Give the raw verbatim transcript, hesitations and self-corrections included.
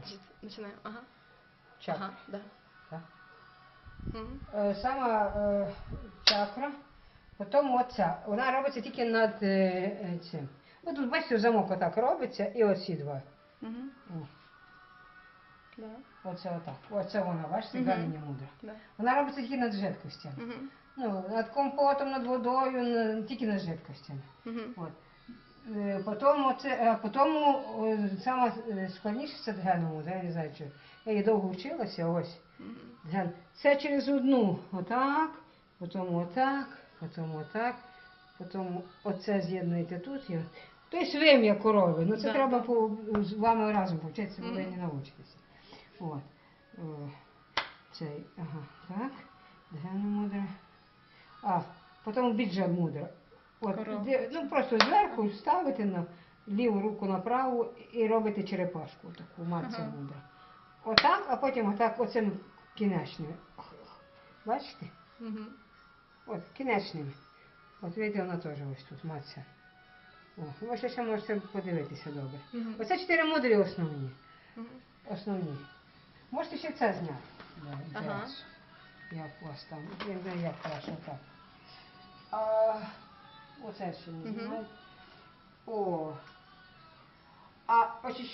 Починаємо. Ага. Чакра. Ага, да. Так. Мгм. Е, Сама е, чакра, потім оця. Вона робиться тільки над е, е, цим. Ось тут, бачите, замок отак робиться, і оці два. Мгм. О, Да. оце отак. Оце вона, бачите, Мгм. галіні мудра. Да. Вона робиться тільки над жидкостями. Мгм. Ну, над компотом, над водою, на- тільки над жидкостями. Мгм. От. Е, Потім, оце, а потім о, саме е, складніше це дгену мудра, я не знаю, чи я її довго вчилася, ось. Мгм. Дген. Це через одну отак, потім отак, потім отак, потім оце з'єднуєте тут. І... Тобто вим'я корови. Ну це Да, треба да. по, з вами разом повчитися, бо ви Мгм. не навчитеся. От. О, цей, ага, так. Дгену мудра. А, потім біджа мудра. От, Корова. де, ну просто зверху ставите на ліву руку на праву і робите черепашку, таку матця Ага. мудра. Отак, а потім отак оцим кінечними. Бачите? Мгм. От, кінечними. От видите, вона теж ось тут матця. О, ви ще ще можете подивитися добре. Мгм. Оце чотири мудрі основні. Мгм. Основні. Можете ще це зняти. Да, Ага. зараз. Як у вас там, я не знаю, як краще так. А, оце ще не Мгм. знімаю. О. А очищення.